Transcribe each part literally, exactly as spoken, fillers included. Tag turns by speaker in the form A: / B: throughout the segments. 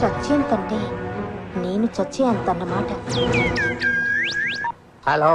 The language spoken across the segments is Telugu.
A: చచ్చేంతంటే నేను చచ్చేంతన్నమాట.
B: హలో,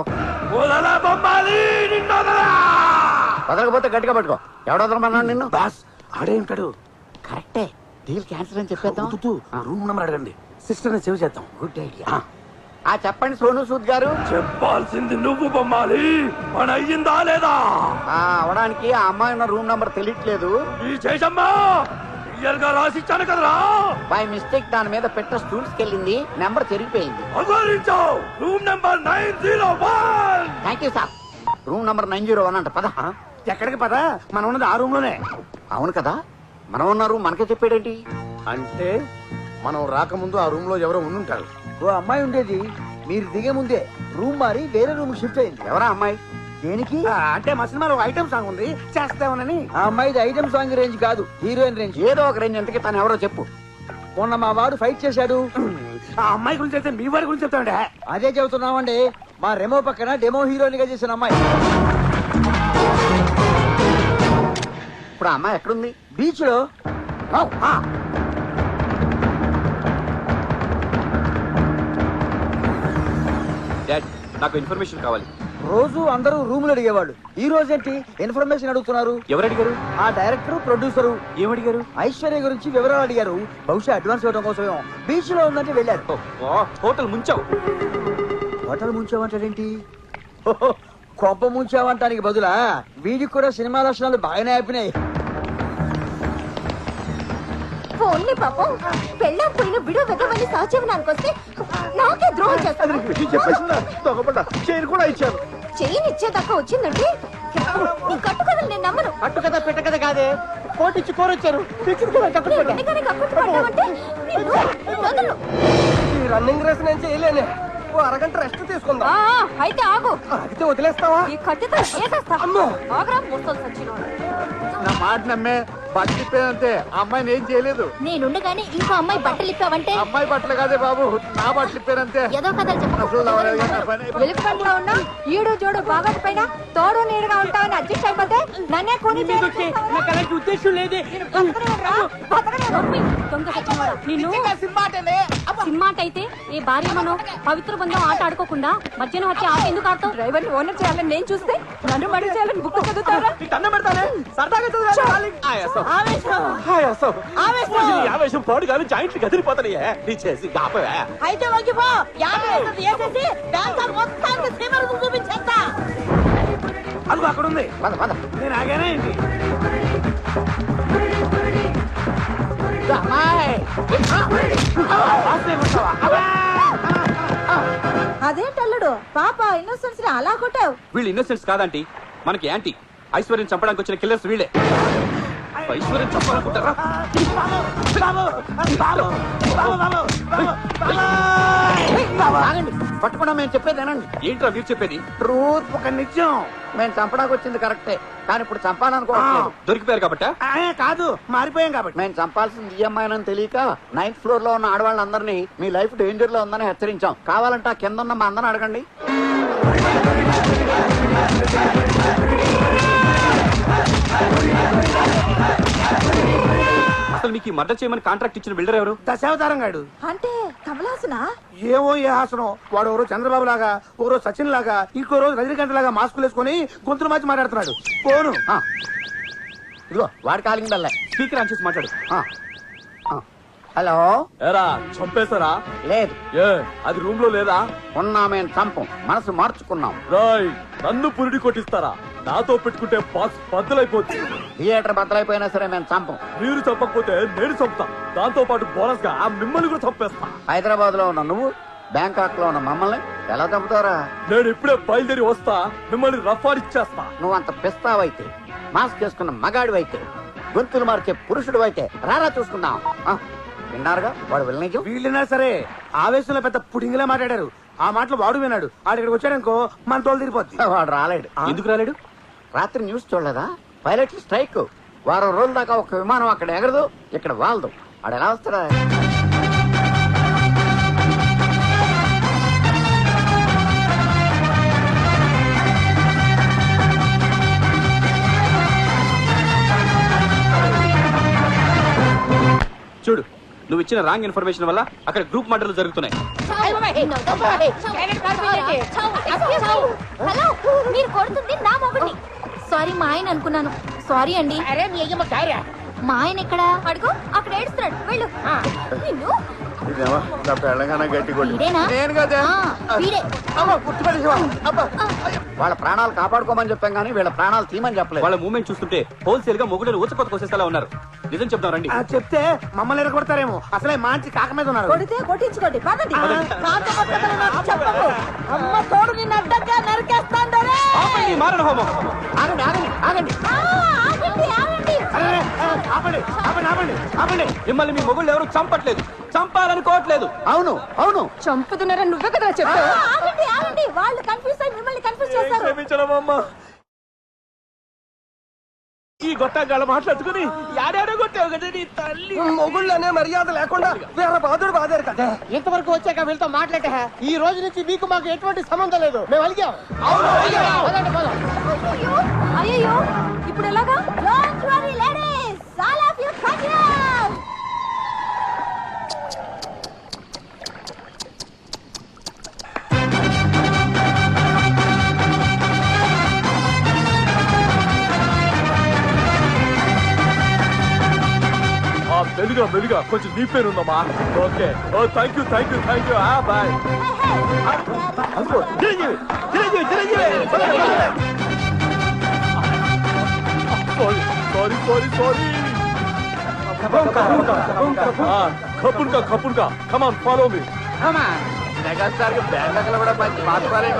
B: వదలకపోతే గట్టిగా పట్టుకో. ఎవడ వదలమన్నాడు నిన్ను?
C: బాస్ ఆడే ఉంటాడు.
B: కరెక్టే, డీల్ క్యాన్సిల్ అని చెప్పేద్దాం.
C: రూమ్ నెంబర్ అడగండి, సిస్టర్ ని సేవ్ చేద్దాం.
B: Good idea. ఆ చెప్పండి సోను సూద్ గారు.
C: చెప్పాల్సింది నువ్వు బొమ్మాలి, పని అయ్యిందా లేదా?
B: అవడానికి ఆ అమ్మాయి ఉన్న రూమ్ నంబర్ తెలియట్లేదు.
C: ఈ చేసమ్మా క్లియర్ గా రాసిచ్చాను కదరా.
B: బై మిస్టేక్ దాని మీద పెట్ట స్టూల్స్ కెళ్ళింది, నెంబర్ చెరిగిపోయింది.
C: Room number nine zero one.
B: Thank you sir. Room number nine zero one అంట. పద.
C: ఎక్కడికి పద? మనం ఉన్నది ఆ రూమ్ లోనే.
B: అవును కదా, మనం ఉన్న రూమ్ మనకే చెప్పాడేంటి?
C: అంటే మనం రాకముందు ఆ రూమ్ లో ఎవరో ఉండుంటారు.
D: ఓ అమ్మాయి ఉండేది, మీరు దిగే ముందే రూమ్ మారి వేరే రూమ్ షిఫ్ట్ అయింది.
B: ఎవరా అమ్మాయి?
D: దేనికి?
C: అంటే మా సినిమాలో ఐటమ్ సాంగ్ ఉంది, చేస్తామని.
D: ఆ అమ్మాయిది ఐటమ్ సాంగ్ రేంజ్ కాదు, హీరోయిన్ రేంజ్.
B: ఏదో ఒక రేంజ్. ఎంతకి తను ఎవరో చెప్పు.
D: మొన్న మా వాడు ఫైట్ చేశాడు.
C: ఆ అమ్మాయి గురించి అయితే మీ వారి గురించి చెప్తాండే.
D: అదే చెబుతున్నామండి, మా రెమో పక్కన డెమో హీరోయిన్ గా చేసిన అమ్మాయి.
B: ఇప్పుడు ఆ అమ్మాయి ఎక్కడుంది?
D: బీచ్ లో.
E: నాకు ఇన్ఫర్మేషన్ కావాలి.
D: రోజు అందరూ రూములు అడిగేవాళ్ళు, ఈ రోజేంటి ఇన్ఫర్మేషన్ అడుగుతున్నారు?
E: ఎవరు అడిగారు?
D: ఆ డైరెక్టర్ ప్రొడ్యూసరు.
E: ఏమడిగారు?
D: ఐశ్వర్య గురించి వివరాలు అడిగారు. బహుశా అడ్వాన్స్ ఇవ్వడం కోసమేమో. బీచ్ లో ఉందంటే వెళ్ళారు.
E: హోటల్ ముంచావు.
D: హోటల్ ముంచావంటారేంటి? కొంప ముంచావంటానికి బదులా వీడికి కూడా సినిమా లక్షణాలు బాగానే ఆపినాయి.
A: ఓన్లీ పాపం పెళ్ళాం పోయిన బిడో వెదవని సహజీవనానికి వస్తే నాకే ద్రోహం చేస్తాను.
C: చైన్ కూడా ఇచ్చారు.
A: చైన్ ఇచ్చేదాకా వచ్చిందంటే నీ కట్టు కథలు నేను నమ్మను.
D: అట్టు కదా పెట్ట కదా కాదే, కోటిచ్చి కోరొచ్చారు.
A: ఎన్నికని కక్కుర్తి పడ్డావంటే నిన్ను వదలను.
D: రన్నింగ్ రేస్ నేను చేయలేనే, ఓ అరగంట రెస్ట్ తీసుకుందాం.
A: ఆ, అయితే ఆగు.
D: అయితే వదిలేస్తావా?
A: ఈ కట్టుతో ఏసేస్తా. ఆగరా ముసలి సచ్చినోడు.
B: నా మాట నమ్మే బట్టలిప్పేదంతే. అమ్మాయిని ఏం చేయలేదు.
A: నేనుండగానే ఇంకో అమ్మాయి బట్టలు ఇప్పావంటే
B: అమ్మాయి బట్టలు కాదే బాబు, నా బట్టలు ఇప్పారంతే.
A: ఏదో కథలు చెప్పు. వెలుగుపంట్లో ఉన్నా ఈడు జోడు బాగా పైన తోడు నీడుగా ఉంటావని అడ్జస్ట్ అయిపోతే నన్నే కొని
D: ఉద్దేశం లేదే.
A: సినిమాట అయితే ఈ భార్య మనం పవిత్ర బంధం ఆట ఆడుకోకుండా మధ్యాహ్నం వచ్చి ఆట ఎందుకు ఆడతాం? డ్రైవర్ ని ఓనర్ చేయాలని నేను చూస్తే నన్ను మడి చేయాలని బుక్ చదువుతారా?
E: ఆవేశం పాడు కానీ జాయింట్లు కదిలిపోతాయే. నీ చేసి గాపవే.
F: అయితే వంగిపో, యాభై వేసేసి డాన్సర్ మొత్తానికి సీమల ముందు చూపించేస్తా.
C: అదిగో అక్కడ ఉంది.
B: పద పద.
C: నేను ఆగానే ఏంటి?
F: అదేంటల్లుడు పాప ఇన్నోసెన్స్ ని అలా కొట్టావు?
E: వీళ్ళు ఇన్నోసెంట్స్ కాదంటీ, మనకి యాంటీ. ఐశ్వర్యం చంపడానికి వచ్చిన కిల్లర్స్ వీళ్ళే. ఐశ్వర్యం చంపాలనుకుంటారా?
B: పట్టుకున్నా మేము చెప్పేదేనండి.
E: ఏంట్రా మీరు చెప్పేది?
B: ట్రూత్ ఒక నిజం. మేము చంపడానికి వచ్చింది కరెక్టే, కానీ ఇప్పుడు చంపాలనుకోవట్లేదు.
E: దొరికిపోయారు కాబట్టి
C: కాదు, మారిపోయాం కాబట్టి.
B: మేము చంపాల్సింది ఈఎంఐ అని తెలియక నైన్త్ ఫ్లోర్ లో ఉన్న ఆడవాళ్ళందరినీ మీ లైఫ్ డేంజర్ లో ఉందని హెచ్చరించాం. కావాలంటే ఆ కింద ఉన్న మా అందరిని అడగండి.
E: అసలు మీకు మర్డర్ చేయమని కాంట్రాక్ట్ ఇచ్చిన బిల్డర్ ఎవరు?
C: దశావతారం గాడు.
F: అంటే కమలాసనా?
C: ఏమో ఏ హాసనం. వాడు ఎవరో చంద్రబాబు లాగా, ఓ రోజు సచిన్ లాగా, ఇంకో రోజు రజనీకాంత్ లాగా మాస్కులు వేసుకుని గొంతులు మార్చి మాట్లాడుతున్నాడు. పోను.
B: ఇదిగో వాడి కాలింగ్ బెల్ల.
E: స్పీకర్ ఆన్ చేసి మాట్లాడు.
B: హలో.
E: ఏరా చంపేశారా?
B: లేదు.
E: ఏ అది రూమ్ లో లేదా?
B: ఉన్నా మేము చంపం, మనసు మార్చుకున్నాం.
E: రాయ్ నన్ను పురిడి కొట్టిస్తారా? నాతో పెట్టుకుంటే బాక్స్ బద్దలైపోతుంది.
B: థియేటర్ బద్దలైపోయినా సరే మేము చంపం.
E: మీరు చంపకపోతే నేను చంపుతా. దాంతో పాటు బోనస్ గా మిమ్మల్ని కూడా చంపేస్తా.
B: హైదరాబాద్ లో ఉన్న నువ్వు, బ్యాంకాక్ లో ఉన్న మమ్మల్ని ఎలా చంపుతారా?
E: నేను ఇప్పుడే బయలుదేరి వస్తా, మిమ్మల్ని రఫాడిచ్చేస్తా.
B: నువ్వు అంత పిస్తావైతే, మాస్క్ వేసుకున్న మగాడివైతే, గొంతులు మార్చే పురుషుడు అయితే రారా చూసుకుందాం. విన్నారుగా వాడు వెళ్ళనిజం.
C: వీళ్ళైనా సరే ఆవేశంలో పెద్ద పుడింగిలా మాట్లాడారు. ఆ మాటలు వాడు విన్నాడు. ఆడు ఇక్కడికి వచ్చాడనుకో మన తోలు తిరిగిపోద్ది.
B: వాడు రాలేడు.
E: ఎందుకు రాలేడు?
B: రాత్రి న్యూస్ చూడలేదా? Pilot strike. వారం రోజుల దాకా ఒక విమానం అక్కడ ఎగరదు, ఇక్కడ వాలదు. వాడు ఎలా వస్తాడా?
E: చూడు నువ్వు ఇచ్చిన రాంగ్ ఇన్ఫర్మేషన్ వల్ల అక్కడ గ్రూప్ మర్డర్లు జరుగుతున్నాయి.
A: హలో, మీరు కొడుతుంది నా మొగుడిని. సారీ మా ఆయన అనుకున్నాను. సారీ అండి.
F: అరే మీ అయ్యమ్మ కార్య
A: మా ఆయన ఎక్కడ? అడుగు, అక్కడ ఏడుస్తున్నాడు. వెళ్ళు. నిన్ను
C: ఇదేమో నా పెళ్ళగానే గట్టి కొట్టి
A: వీడేనా?
C: నేను కదా
A: ఆ, వీడే.
C: అమ్మ గుర్తుపట్టేసావా? అబ్బా
B: వాళ్ళ ప్రాణాలు కాపాడుకోమని చెప్పాం కానీ వీళ్ళ ప్రాణాలు తీయమని చెప్పలేదు.
E: వాళ్ళ మూమెంట్ చూస్తుంటే హోల్సేల్ గా మొగుడని ఊచకొత్త కోసేసేలా ఉన్నారు. నిజం చెప్తాం రండి.
C: ఆ, చెప్తే మమ్మల్ని ఎరగొడతారేమో. అసలే మంచి కాక మీద ఉన్నారు.
F: కొడితే కొట్టించుకోండి పదండి. కాకపోతే నాకు చెప్పకు. అమ్మ తోడు నిన్ను అడ్డంగా నరికేస్తాను రే.
E: ఆపండి, మారణ హోమం.
B: ఆగండి ఆగండి ఆగండి
F: ఆ, ఆగండి ఆగండి.
C: అరే, ఆ, ఆపండి ఆపండి ఆపండి ఆపండి.
E: మిమ్మల్ని మీ మొగుళ్ళు ఎవరు చంపట్లేదు, చంపాలనుకోవట్లేదు.
B: అవును అవును
A: చంపుతున్నారని నువ్వే కదా
F: ఆ,
A: చెప్పావు.
F: ఆగండి ఆగండి. వాళ్ళు కన్ఫ్యూజ్ అయ్యి మిమ్మల్ని కన్ఫ్యూజ్ చేస్తారు.
C: క్షమించడమమ్మా. ఈ గొట్టగాళ్ళ మాట్లాడుకుని యాడాడో కొట్టావు కదా నీ తల్లి.
D: మొగుళ్ళనే మర్యాద లేకుండా వేరే బాధుడు బాధారు కదా.
F: ఇంతవరకు వచ్చాక వీళ్ళతో మాట్లాడే ఈ రోజు నుంచి మీకు మాకు ఎటువంటి సంబంధం లేదు. మేము అలిగాం. పదండి, పదం.
A: అయ్యో, అయ్యో, ఇప్పుడు ఎలాగా?
F: Don't worry, ladies. All of you come here.
C: మెలుగా మెలుగా కొంచెం నీ పేరు ఉందమ్మా. Okay, oh thank you thank you thank you. Bye. Chiranjeevi Chiranjeevi Chiranjeevi sorry sorry sorry. కపుల్కా కపుల్కా come on follow me. Megastar కి బ్యాండ్ కూడా మంచి పాత్ర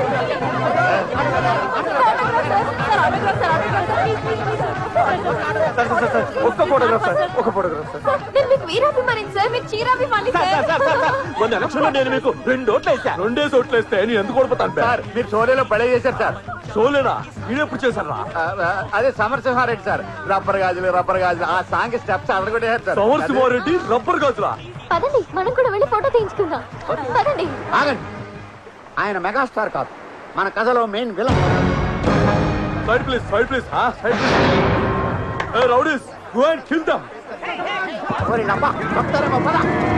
C: ఒక్క ఫోటోగ్రాఫ్ సార్, ఒక ఫోటోగ్రాఫ్ సార్.
A: నేను మీకు వీరాభిమాని సార్, మీకు చీరాభిమాని సార్.
C: మొన్న ఎలక్షన్ లో నేను మీకు రెండు ఓట్లు వేసా. రెండే ఓట్లు వేస్తే నేను ఎందుకు ఓడిపోతాను సార్? మీరు షోలేలో పడే చేశారు సార్. షోలేనా? మీరెప్పుడు చేశారా? అదే సమరసింహారెడ్డి సార్. రబ్బర్ గాజులు రబ్బర్ గాజులు ఆ సాంగ్ స్టెప్స్ అడగొట్టేశారు సార్. సమరసింహారెడ్డి రబ్బర్ గాజులా?
A: పదండి, మనం కూడా వెళ్ళి ఫోటో తీయించుకుందాం. పదండి.
B: ఆగండి. ఆయన మెగాస్టార్ కాదు, మన కథలో main villain.
C: Side please side please side please. ఏ rowdies, go and kill them.
B: ఓరి నబ్బా, చెప్తారేమో పద.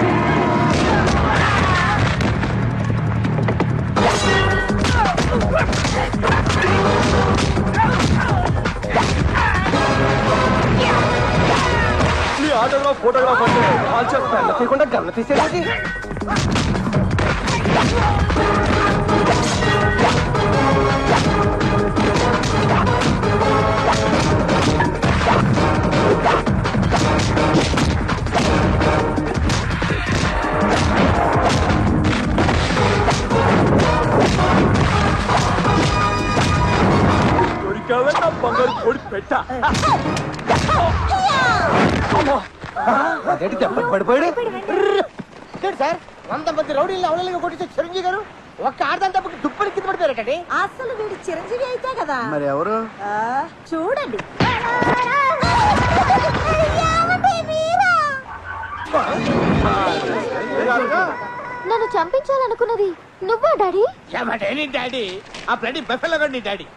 C: మీ ఆటోగ్రాఫ్ ఫోటోగ్రాఫ్ అంటే కాల్ చేస్తాను తీయకుండా గన్న తీసేది. దొరికావే నా బంగారు కోడి పెట్ట. అదేంటి దెబ్బకి పడిపోయాడు?
F: చూడు సార్, వంద మంది రౌడీలు అవలలుగా కొట్టించే చిరంజీవి గారు ఒక్క ఆడదాని దెబ్బకి దుప్పటి కింద పడిపోయారటండి. అసలు వీడు చిరంజీవి అయితే కదా.
B: మరి ఎవరు?
F: ఆ, చూడండి.
A: నన్ను చంపించాలనుకున్నది నువ్వా డాడీ?
C: డాడీ ఆ బ్లడీ బఫెలో నీ డాడీ.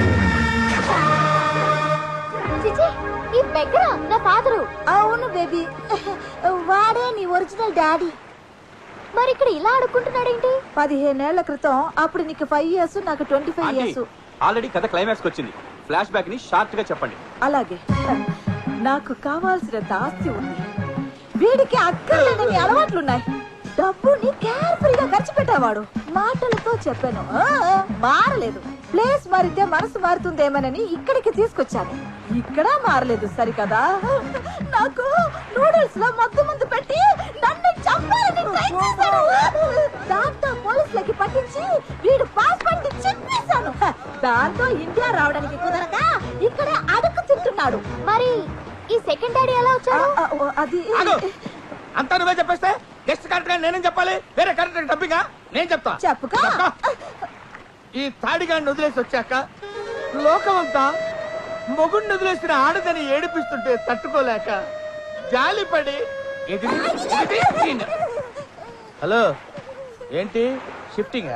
A: చిచి, ఈ బెగ్గర నా ఫాదరు.
F: అవును బేబీ, వాడే నీ ఒరిజినల్ డాడీ.
A: మరి ఇక్కడ ఇలా అడుక్కుంటున్నాడేంటి?
F: పదిహేనేళ్ల క్రితం అప్పుడు నీకు ఫైవ్ ఇయర్స్ నాకు ట్వంటీ ఫైవ్ ఇయర్స్.
E: ఆల్రెడీ కథ క్లైమాక్స్ వచ్చింది. ఫ్లాష్ బ్యాక్ ని షార్ట్ గా చెప్పండి.
F: అలాగే, నాకు కావాల్సినంత ఆస్తి ఉంది. వీడికి అక్కర్లేని అలవాట్లున్నాయి. డబ్బుని కేర్ఫుల్గా ఖర్చు పెట్టేవాడు. మాటలతో చెప్పాను, ఆ, మారలేదు. ప్లేస్ మారితే మనసు మారుతుందేమోనని ఇక్కడికి తీసుకొచ్చాను. ఇక్కడ మారలేదు సరికదా. నాకు నూడిల్స్ లో మత్తు మందు పెట్టి నన్ను చంపాలని ట్రై చేశాడు. దాంతో పోలీసులకి పట్టించి వీడు పాస్పోర్ట్ చెప్పేశాను. దాంతో ఇండియా రావడానికి కుదరక ఇక్కడ అడుగు తింటున్నాడు.
A: మరి ఈ సెకండ్ డాడీ ఎలా
F: ఆ,
A: వచ్చాడు?
F: ఆ, ఓ, అది
C: అంతా నువ్వే చెప్పేస్తే నెక్స్ట్ కరెక్ట్ గా నేనేం చెప్పాలి? వేరే కరెక్ట్ డబ్బిగా నేను చెప్తా.
F: చెప్పుకో.
C: ఈ తాడిగాడిని వదిలేసి వచ్చాక లోకమంతా మొగుడిని వదిలేసిన ఆడదని ఏడిపిస్తుంటే తట్టుకోలేక జాలిపడి ఎదిరి ఎదిరి తిన్న. హలో, ఏంటి షిఫ్టింగ్?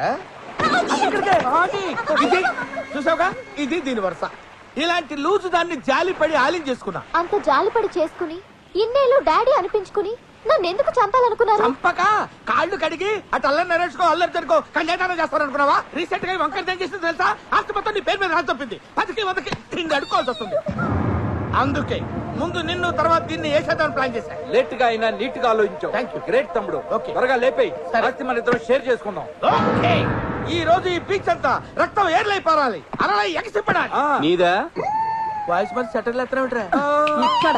C: ఇది చూసావుగా, ఇది దీని వరుస. ఇలాంటి లూజు దాన్ని జాలిపడి ఆలింగ్ చేసుకున్నా.
A: అంత జాలిపడి చేసుకుని ఇన్నేళ్ళు డాడీ అనిపించుకుని నన్ను ఎందుకు చంపాలనుకున్నారు
C: చంపక కాళ్ళు కడిగి అటు అల్లరి నరేసుకో అల్లరి జరుకో కళ్యాణం చేస్తారనుకున్నావా? రీసెంట్ గా వంకర ఏం చేసింది తెలుసా? ఆస్తి మొత్తం నీ పేరు మీద రాసి చెప్పింది. పదికి వందకి తిండి అడుకోవాల్సి వస్తుంది. అందుకే ముందు నిన్ను తర్వాత దీన్ని వేసేద్దామని ప్లాన్ చేశా.
E: లేట్ గా అయినా నీట్ గా ఆలోచించావు.
C: Thank you.
E: గ్రేట్ తమ్ముడు.
C: Okay.
E: త్వరగా లేపేయి.
C: సరే.
E: ఆస్తి మన ఇద్దరం షేర్ చేసుకుందాం.
C: ఓకే. ఈ రోజు ఈ బీచ్ అంతా రక్తం ఏర్లై పారాలి, అలా ఎగసిపడాలి.
E: ఆ. నీదా
D: వాయిస్ మరి సెటిల్ ఎత్తరా
F: ఇక్కడ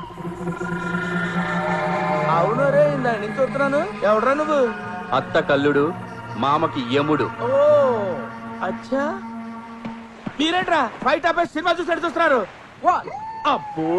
D: అవును రే ఇందా నుంచి చూస్తున్నాను. ఎవడరా నువ్వు?
E: అత్త కల్లుడు, మామకి యముడు.
D: ఓ అచ్చా.
C: మీరేంట్రా ఫైట్ ఆపేసి సినిమా చూసి చూస్తున్నారు? అబ్బో